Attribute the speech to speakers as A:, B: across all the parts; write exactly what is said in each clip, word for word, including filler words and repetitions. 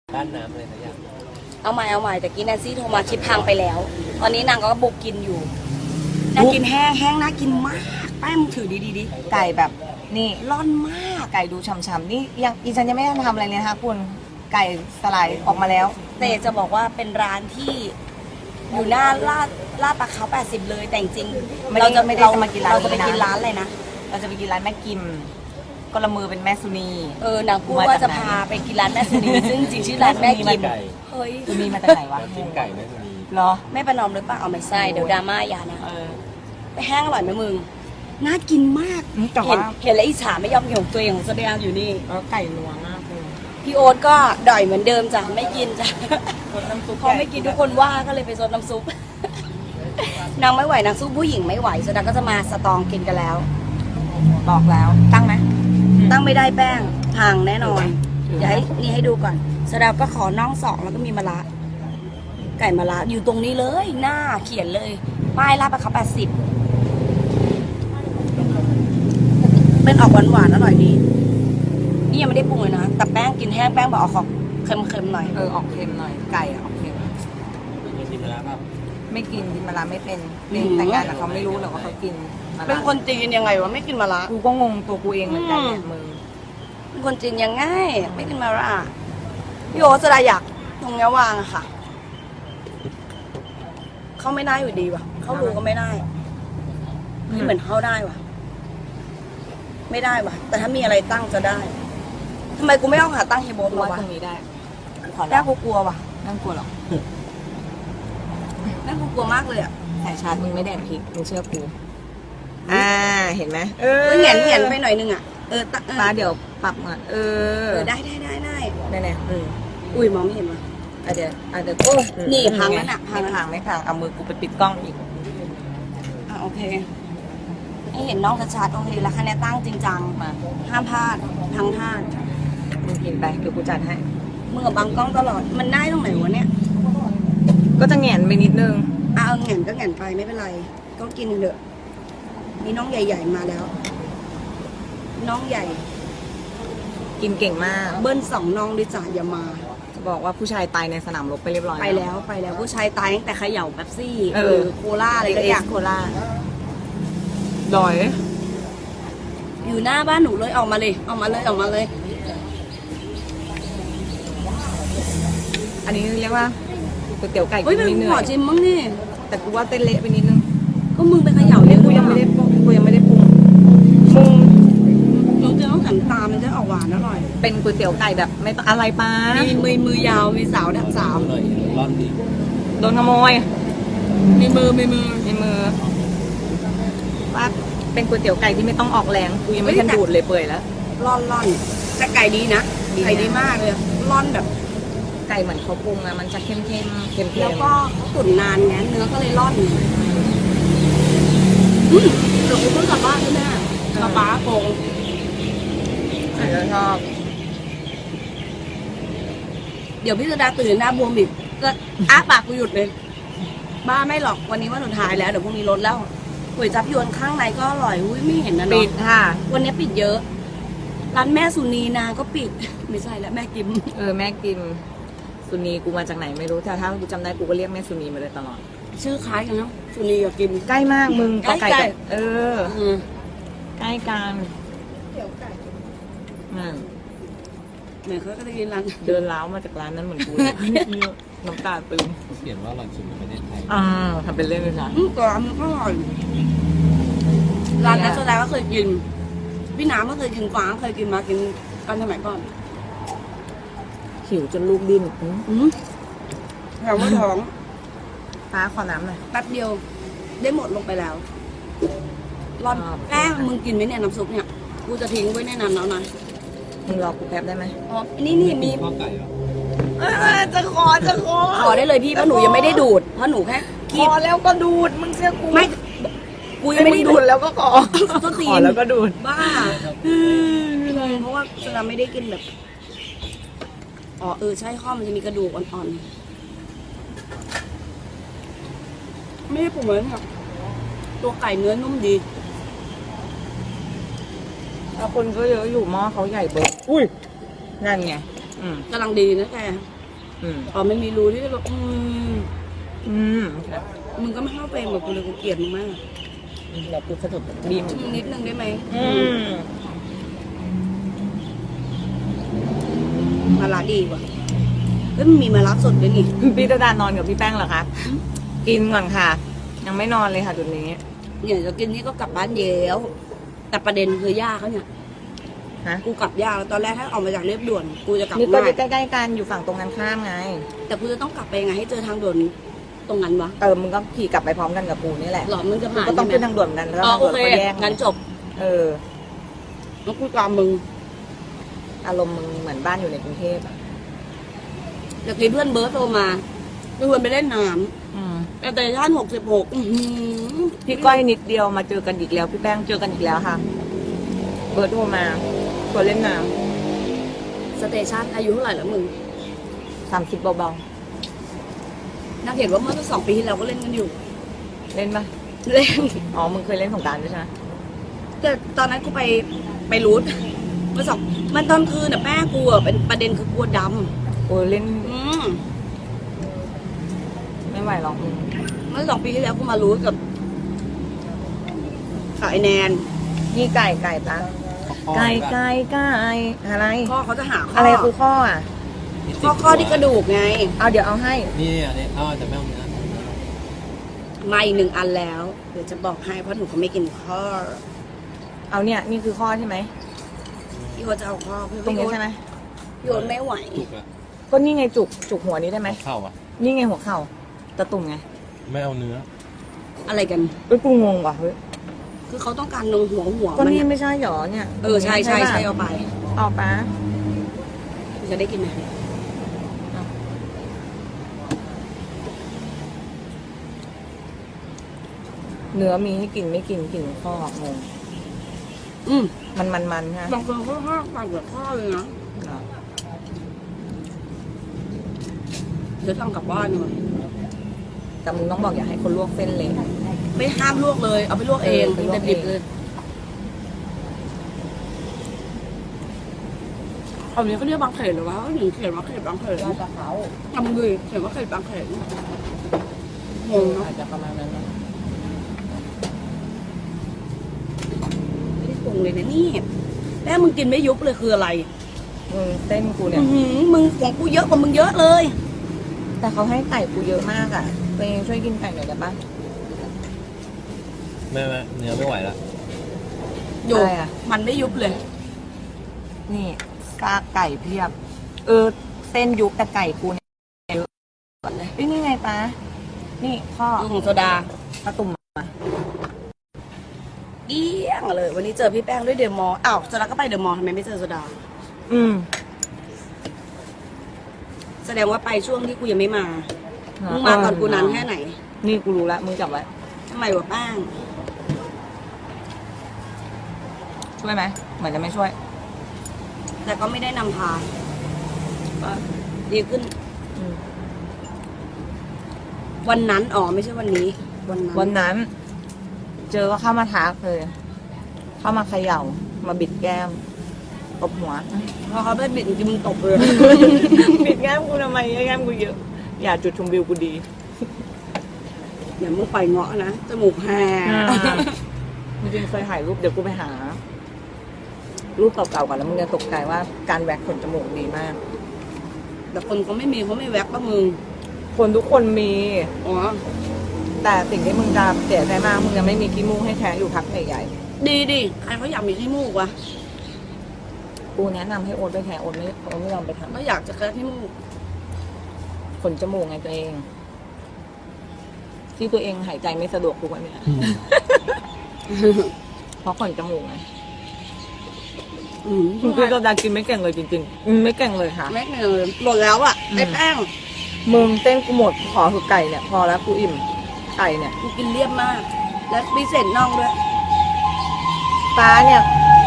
A: บ้านน้ำเลยนะอยาก
B: เอาใหม่เอาใหม่แต่กี้แนนซี่โทรมาคลิปพังไปแล้ว ตอนนี้นางก็บุกกินอยู่นางกินแห้งแห้งน่ากินมากแป้งมึงถือดีดีดิ
C: ไก่แบบนี่
B: ร่อนมาก
C: ไก่ดูฉ่ำๆนี่ยังอีฉันยังไม่ได้ทำอะไรเลยนะคะคุณไก่สไลด์ออกมาแล้ว
B: แต่จะบอกว่าเป็นร้านที่อยู่หน้าลาดลาดปลาเขาแปดสิบเลยแต่จริงๆเราจะไม่ได้จะมากินร้านเราจะไปกินร้านอะไรนะ
C: เราจะไปกินร้านแม่กิมก็ละมือเป็นแม่สุนี
B: เออนางพูดว่าจะพาไปกินร้านแม่สุนีซึ่งจริงชื่อร้านแม่กิม
C: เฮ้ยสุนีมาจากไหนวะ
A: กินไก่แม่สุนี
C: เหรอ
B: แม่ประนอมหรือเปล่าเอาไม่ใช่เดี๋ยวดราม่าอย่านะไปแห้งอร่อยไหมมึงน่ากินมากเห็นเห็นแล้วอิจฉาไม่ยอมเหี่ยวตัวเองของแสดงอยู่นี่
C: ไก่นัวมากเลย
B: พี่โอ๊ตก็ด่อยเหมือนเดิมจ้ะไม่กินจ้ะเขาไม่กินทุกคนว่าก็เลยไปซดน้ำซุปนางไม่ไหวนางสู้ผู้หญิงไม่ไหวแสดงก็จะมาสตองกินกันแล้ว
C: บอกแล้วตั้งไหม
B: ตั้งไม่ได้แป้งพังแน่นอนเดี๋ยวให้นี่ให้ดูก่อนแสดงก็ขอน่องสองแล้วก็มีมะระไก่มะระอยู่ตรงนี้เลยหน้าเขียนเลยป้ายลาดปลาเขาแปดสิบเป็นออกหวานๆอร่อยดีนี่ยังไม่ได้ปรุงเลยนะแต่แป้งกินแห้งแป้งบอกเอาของเค็มๆหน่อย
C: เออออกเค็มหน่อยไก่ออกเค็ม
A: กินมาแล้วครับ
C: ไม่กินกินมะระไม่เป็นแต่งงานแต่เขาไม่รู้หรอกว่าเขากิน
B: เป็นคนจีนยังไงวะไม่กินมะระ
C: กูก็งงตัวกูเองเหมือนกันเนี่ยมึง
B: เป็นคนจีนยังไงไม่กินมะระพี่โอ๊ตจะได้อยากตรงนี้วางอะค่ะเขาไม่ได้อยู่ดีว่ะเขารู้ก็ไม่ได้นี่เหมือนเขาได้ว่ะไม่ได้ว่ะแต่ถ้ามีอะไรตั้งจะได้ทำไมกูไม่เอาขาตั้งเฮโบมาวะ
C: ตรงนี้ได้
B: แม่กูกลัวว่ะ
C: นั่งกลัวหรอ
B: แม่กูกลัวมากเลยอ่ะ
C: สายชาร์จมึงไม่แดกพริกมึงเชื่อกูอ่าเห็นไหม
B: เออเหงียนเหงียนไปหน่อยนึงอ่ะเออ
C: ตาเดี๋ยวปรับมาเออ
B: ได้ได้ได้ได้
C: ได้แน่
B: อุ้ยมองไม่เห็นว่ะ
C: อ่ะเดี๋ยวอ่ะเดี๋ยว
B: นี่พังแล้วน่ะ
C: พังพังไม่พังเอามือกูไปปิดกล้องอีก
B: อ่ะโอเคให้เห็นน้องชัดๆโอเคแล้วคะแนนตั้งจริงจังมาห้ามพลาดทั้งท่าน
C: มึงกินไปเดี๋ยวกูจัดให้
B: มึงกับบังกล้องตลอดมันได้ตรงไหนวะเนี่ย
C: ก็จะแหงนไปนิดนึง
B: อ่ะเอาแหงนก็แหงนไปไม่เป็นไรก็กินเถอะมีน้องใหญ่ๆมาแล้วน้องใหญ่
C: กินเก่งมาก
B: เบิ้ลสองน้องดิจ่าอย่ามา
C: จะบอกว่าผู้ชายตายในสนามรบไปเรียบร้อย
B: ไปแล้วไปแล้วผู้ชายตายตั้งแต่เขย่าแป๊บซี่เออโคล่าอะไรก็อยาก
C: โคล่าดอย
B: อยู่หน้าบ้านหนูเลยออกมาเลยออกมาเลยออกมาเลย
C: อันนี้เรียกว่าก๋วยเตี๋ยวไก่
B: กินไม่เหนื่อยขอชิมมั้งนี่
C: แต่กูว่าเต้นเละไปนิดนึง
B: ก็มึงไปเขย่า
C: เลยกูยังไม่ได้กูยังไม่ได้ปรุงปรุง
B: น้องเจ้าต้องหันตามันจะออกหวานอร่อย
C: เป็นก๋วยเตี๋ยวไก่แบบไม่ต้องอะไรป้า
B: มีมือมือยาวมีสาวดักสาว
A: ร่อนดี
C: โดนขโมย
B: มีมือมีมือ
C: มีมือว่าเป็นก๋วยเตี๋ยวไก่ที่ไม่ต้องออกแรงกูยังไม่ทันดูดเลยเปื่อยแล้ว
B: ร่อนร่อนแต่ไก่ดีนะไก่ดีมากเลยร่อนแบบ
C: ไก่เหมือนเขาปรุงอะมันจะเข้มเข้มเค็ม
B: แล้วก็ตุ๋นนานไงเนื้อก็เลยร่อนอืมเดี๋ยวกูเพิ่งกลับบ้านใช่ไหมกระป๋าโกง
C: ฉันก็ชอบ
B: เดี๋ยวพี่จะดาตื่นหน้าบวมอีกก็อ้าปากกูหยุดเลยบ้าไม่หรอกวันนี้วันสุดท้ายแล้วเดี๋ยวพรุ่งนี้ลดแล้วก๋วยจั๊บยวนข้างในก็อร่อยอุ้ยไม่เห็นนะเนาะ
C: ปิดค่ะ
B: วันนี้ปิดเยอะร้านแม่สุนีนาก็ปิดไม่ใช่แล้วแม่กิม
C: เออแม่กิมสุนีกูมาจากไหนไม่รู้แต่ถ้ากูจำได้กูก็เรียกแม่สุนีมาเลยตลอด
B: ชื่อคล้ายกันเนาะสุนีกับกิม
C: ใกล้มากมึง
B: ใกล้กัน
C: เออใกล้กัน
B: เตี๋ยวไก่
C: อืม
B: เหมือนเขาก็จะกินร้าน
C: เดินล้าวมาจากร้านนั้นเหมือนกูน้ำตาตึง
A: เขียนว่าอร่อยสุดในประเทศไทย
C: อ่าทำเป็นเล่นเลยนะ
B: อืมกรอบมันก็อร่อยร้านนั้นโซดาก็เคยกินพี่น้ำก็เคยกินฟ้าเคยกินมากินกันสมัยก่อน
C: หิวจนลูกดิ้น
B: อืมแถวว่าท้อง
C: ฟ้าขอน้ำหน่อย
B: แป๊บเดียวได้หมดลงไปแล้วร้อนแป้งมึงกินไหมเนี่ยน้ำซุปเนี่ยกูจะทิ้งไว้ในน้ำแล้วนะ
C: มึงรอกูแป๊บได้ไหม
B: อ๋อนี่นี่มี
A: ข้าวไก่เหรอ
C: จะขอจะขอ
B: ขอได้เลยพี่เพราะหนูยังไม่ได้ดูดเพราะหนูแค่
C: ขอแล้วก็ดูดมึงเชื่อกู
B: ไม่กูยังไม่ได้
C: ดูดแล้วก็ขอขอแล้วก็ดูด
B: บ้าเพราะว่าเราไม่ได้กินแบบอ๋อเออใช่ข้อมันจะมีกระดูกอ่อนๆไม่ได้ปรุงเลยเนี่ยตัวไก่เนื้อนุ่มดี
C: คนก็เยอะอยู่หม้อเขาใหญ่เบิร์อุ้ยนั่นไง
B: กำลังดีนะแก
C: อืม
B: อ๋อไม่มีรูที่จะแบบอืม
C: อืม
B: มึงก็ไม่เข้าเฟรมกับกูเลยกูเกลียดมึงมาก
C: แบบกูสะดุดบีม
B: อืมนิดนึงได้ไหม
C: อืม
B: มาลาดีกว่าเฮ้ยมันมีมาลาสดด้วยนี่
C: พี่ตะดานอนกับพี่แป้งเหรอคะกินก่อนค่ะ ยังไม่นอนเลยค่ะจุดนี้
B: เนี่ยจะกินนี่ก็กลับบ้านเย้วแต่ประเด็นคือย่าเขาเนี่ย
C: ฮะ
B: กูกลับยากตอนแรกถ้าออกมาจากเรียบด่วน กูจะกลับ
C: นี่ก็
B: ง่าย
C: ใกล้ๆกันอยู่ฝั่งตรงกันข้ามไง
B: แต่กูจะต้องกลับไปยังไงให้เจอทางด่วนตรงนั้นวะ
C: เออมึงก็ขี่กลับไปพร้อมกันกับกูนี่แหละ
B: หรอมึงจะ
C: มึง
B: ผ่าน
C: ก็ต้อง
B: ใช่
C: ขึ้น
B: ไหม
C: ทางด่วนกันแล้ว
B: อ๋อ
C: ทาง
B: โอ
C: ด่วน
B: เค
C: ก็แยก
B: งั้นจบ
C: เออ
B: แล้วกูตามมึง
C: อารมณ์มึงเหมือนบ้านอยู่ในกรุงเทพอะ
B: จากที่เพื่อนเบิร์ตโทรมาชวนไปเล่นน้
C: อืม
B: ำแต่ท่านหกสิบหก
C: พี่ก้อยนิดเดียวมาเจอกันอีกแล้ว พี่แป้งเจอกันอีกแล้วค่ะ เบิร์ดโทรมาชวนเล่นน้
B: สเตชันอายุเท่าไหร่แล้วมึง
C: ำสามสิบเบา
B: นักเห็นว่าเมื่อสองปีที่แล้วก็เล่นกันอยู่
C: ๆเล่นปะ
B: เล่น
C: อ๋อมึงเคยเล่นสงกรานต์ด้วยใช่ไหม
B: แต่ตอนนั้นกูไปไปรูทเมื่อสองมันตอนคืนน่ะแม่กูอ่ะเป็นประเด็นคือกลัวด
C: โอ้ยเล่น
B: ำอืม
C: ไม่ไหวหรอกมึง
B: เมื่อสองปีที่แล้วกูมารูทกับกับไอแนน
C: นี่ไก่ไก่ปะไก่ไก่ไก่อะไร
B: พ่อเขาจะหาข้อ
C: อะไรคือข้ออ่ะ
B: ข้อข้อที่กระดูกไง
C: เอาเดี๋ยวเอาให้
A: นี่อันนี้อ้าวแต่ไม่เอาเนื้อ
B: มาอีกหนึ่งอันแล้ว เดี๋ยวจะบอกให้เพราะหนูเขาไม่กินข้อ
C: เอาเนี่ยนี่คือข้อใช่ไหม
B: พี่โอ๊ตจะเอาข้อพี่
C: ตรงนี้
B: โอ๊ต
C: ใช่ไหม
B: พี่โอ๊ตไม่ไหว
A: จุกอะ
C: ก็นี่ไงจุกจุกหัวนี้ได้ไหม
A: เข้าอ่ะ
C: นี่ไงหัวเข่าตะตุ่มไง
A: ไม่เอาเนื้อ
B: อะไรกัน
C: เอ้ยกูงงว่ะเฮ้ย
B: คือเขาต้องการนงหัวหัว
C: ก็
B: มัน
C: นี่
B: อะ
C: ไม่ใช่หรอเนี่ย
B: เออใช่ใช่ใช่
C: ปะ
B: เอาไป
C: เอาปะ
B: จะได้กินไหม
C: เนื้อมีให้กินไม่กินกินข้องง
B: อืม
C: มันมันมันฮะ
B: บางคนเขาห้ามปั่นกับข้อเลยนะเดี๋ยวทำกลับบ้านดีกว่า
C: แต่มึงต้องบอกอย่าให้คนลวกเส้นเลย
B: ไม่ห้ามลวกเลย เอาไปลวกเอง
C: เออไปลวกเอง
B: ดิบๆเลยคำนี้เขาเรียกบางเขตหรือวะเขาถึงเขียนว่าเขตบางเขต
C: น่าจะเขา
B: ทำดีเขียนว่าเขตบางเขตงงเนาะ
C: อาจจะประมาณนั้นนะ
B: ไม่ได้ปรุงเลยนะนี่แม่มึงกินไม่ยุบเลยคืออะไร
C: มึงเส้นกูเนี่ย
B: อื้อหือมึงของกูเยอะกว่ามึงเยอะเลย
C: แต่เขาให้ไก่กูเยอะมากอ่ะตัวเองช่วยกินไก่หน่อยได้ปะ
A: ไม่ไม่เนื้อไม่ไหวละ
B: อยู่
C: อะไรอะ
B: มันไม่ยุบเลย
C: นี่กากไก่เพียบ เออเส้นยุบแต่ไก่กูเนี่ยเยอะก่อนเลยเอ้ยนี่ไงปะนี่ข้อ
B: ของโซดา
C: ปลาตุ่มมา
B: เอี้ยงเลย วันนี้เจอพี่แป้งด้วยเดอะมอลล์อ้าวโซดาก็ไปเดอะมอลล์ทำไมไม่เจอโซดา
C: อืม
B: แสดงว่าไปช่วงที่กูยังไม่มา มึงมาก่อนกูนานแค่ไหน
C: นี่กูรู้ละมึงจับไว้
B: ทำไมวะแป้ง
C: ช่วยไหมเหมือนจะไม่ช่วย
B: แต่ก็ไม่ได้นำพาก็ดีขึ้น
C: อืม
B: วันนั้นอ๋อไม่ใช่วันนี้ วันนั้น
C: วันนั้น เจอก็เข้ามาทักเลย เข้ามาเขย่า มาบิดแก้มตบหัว
B: พอเขาไปบิดจริงๆมึงตบเลย
C: บิดแก้มกูทำไมแก้มกูเยอะ อย่าจุดชมวิวกูดี
B: เดี๋ยวมึงปล่อยเงาะนะจมูกแห
C: จริงๆเคยถ่ายรูปเดี๋ยวกูไปหา รูปเก่าๆก่อนแล้วมึงจะตกใจว่าการแว็กขนจมูกดีมาก
B: แต่คนเขาไม่มีเขาไม่แว็กป่ะมึง
C: คนทุกคนมี
B: อ๋อ
C: แต่สิ่งที่มึงจะเสียใจมากมึงยังไม่มีขี้มูกให้แท้อยู่พักใหญ่
B: ดีดิใครเขาอยากมีขี้มูกวะ
C: ๆกูแนะนำให้โอ๊ตไปแท้โอ๊ตไม่โอ๊ตไม่ยอมไปท
B: ก็อยากจะแค่ขี้มูก
C: ำขนจมูกไงตัวเอง ที่ตัวเองหายใจไม่สะดวกทุกวันเนี้ยเพราะขนจมูกไง
B: อืม
C: คุณคือตัวดากินไม่เก่งเลยจริงๆอืมไม่เก่งเลยค่ะ
B: แม็กเนี่ยหมดแล้วอ่ะไอ้แป้ง
C: มึงเต้นกูหมดขอคือไก่เนี่ย พอแล้วกูอิ่มไก่เนี่ย
B: กูกินเรียบมาก และมีเศษน่องด้วย
C: ปลาเนี่ย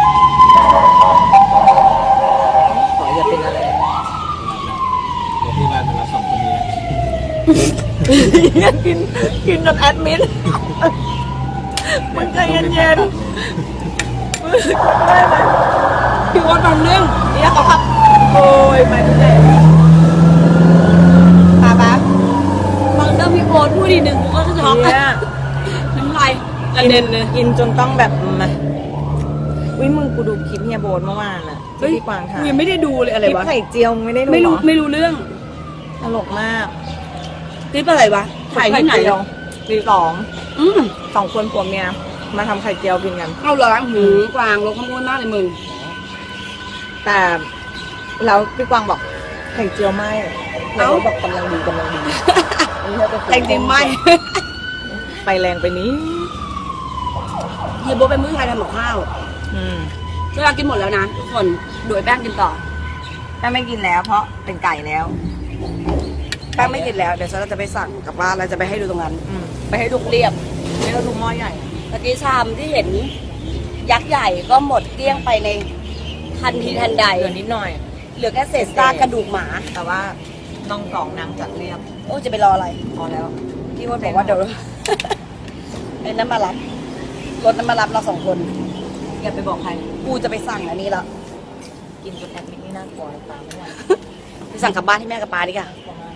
C: ขออย่าเป็นอะไร
A: เดี๋ยวพี่บ้านมารับสองคนนี้
C: อยากกินกินจนแอดมิดมันใจเย็นๆรู้สึกได้ไหม
B: พี่ว่าตอนนึง
C: เนี่ยเขาขับโอ้ยไปทุกเด็
B: ช็อก
C: เนี่ย
B: น้ำลายกระเด็นเลย
C: กินจนต้องแบบมาอุ้ยมึงกูดูคลิปเฮียโบนเมื่อวานอะที่พี่กวางถ่าย
B: ยังไม่ได้ดูเลยอะไร
C: คลิป
B: วะ
C: ไข่เจียวมึงไม่ได้ดู
B: ไม่รู้
C: เหอ
B: ไม่รู้เรื่อง
C: ตลกมาก
B: คลิปอะไรวะถ่ายที่ไหน
C: ข่เจียวตีสอง
B: อืม
C: สองคนผัวเมียมาทำไข่เจียวกินกัน
B: เอาเหรอหือกวางลงข้างบนมากเลยมึง
C: แต่แล้วพี่กวางบอกไข่เจียวไหม
B: เอ้า
C: เราบอกกำลังดีกำลังดี
B: แต่จริงๆไม่
C: ไปแรงไปนี้
B: เฮียโบเป็นมื้อไทยทำกับข้าว
C: อืม
B: เวลากินหมดแล้วนะทุกคนโดยแป้งกินต่อ
C: ถ้าไม่กินแล้วเพราะเป็นไก่แล้ว
B: แป้งไม่กินแล้วเดี๋ยวฉันจะไปสั่งกลับบ้านแล้วจะไปให้ดูตรงนั้น
C: อืม
B: ไปให้ดูเรียบ
C: นี่เราดูหม้อใหญ่
B: ตะกี้ชามที่เห็นยักษ์ใหญ่ก็หมดเกลี้ยงไปในทันทีทันใด
C: เหลือนิดหน่อย
B: เหลือแค่เศษซากกระดูกหมา
C: แต่ว่าน้องสองนางจัดเรียบ
B: โอ้จะไปรออะไร
C: พอแล้ว
B: พี่ว่าบอกว่าเดี๋ยว ไอ้นั้นมารับรถนั้นมารับเราสองคน
C: อย่าไปบอกใคร
B: กูจะไปสั่งอันนี้แล้ว
C: กินจนแอดมินนี่น่ากลัวตามไม่ไหว
B: ไปสั่งกลับบ้านที่แม่กับป้าดีกว่า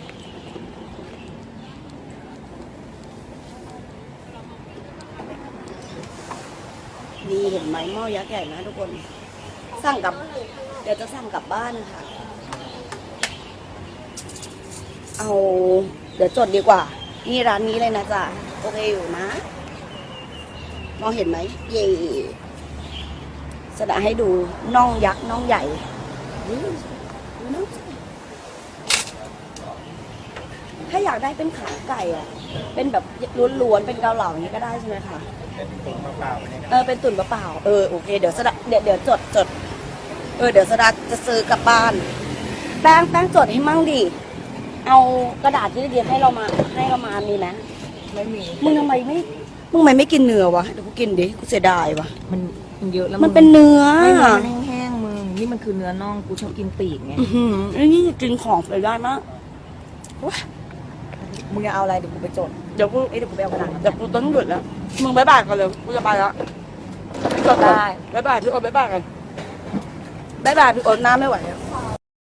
B: นี่เห็นไหมหม้อยักษ์ใหญ่นะทุกคน สั่งกลับ เดี๋ยวจะสั่งกลับบ้านนะคะ เอา เดี๋ยวจดดีกว่า นี่ร้านนี้เลยนะจ๊ะ โอเคอยู่นะ มองเห็นไหม เย่แสดงให้ดูน่องยักษ์น่องใหญ่อุ๊ยดูน่องสิถ้าอยากได้เป็นขาไก่อะเป็นแบบล้วนๆ เป็นเกาเหลาอย่างนี้ก็ได้ใช่ไหมคะ
A: เป็นตุ๋นมะพร้าวเนี่ย
B: เออเป็นตุ่นเปล่าๆเออโอเคเดี๋ยวสดาเดี๋ยวเดี๋ยวจดจดเออเดี๋ยวสดาจะซื้อกลับบ้าน แป้งแป้งจดให้มั่งดิเอากระดาษที่เดียให้เรามาให้เรามามีไหม
C: ไม่มี
B: มึงทำไมไม่มึงทำไมไม่กินเนื้อวะเดี๋ยวกูกินดิกูเสียดายวะ
C: มันมันเยอะแล้ว
B: มันเป็นเนื้อ
C: ไม่เนื้อมันแห้งๆมึงนี่มันคือเนื้อน่องกูชอบกินปีกไง
B: อื้อหือไอ้นี่กินของไปได้มาก
C: มึงจะเอาอะไรเดี๋ยวกูไปจด
B: เดี๋ยวกู
C: เอ้ยเดี๋ยวกูไปเอากระดาษ
B: เดี๋ยวกูต้องหยุดแล้วมึงบายบายกันเลยกูจะไปแล้วจด
C: ได้
B: บายบายพี่โอ๊ตบายบายกันบายบายพี่โอ๊ตหน้าไม่ไหวแล้ว
C: บ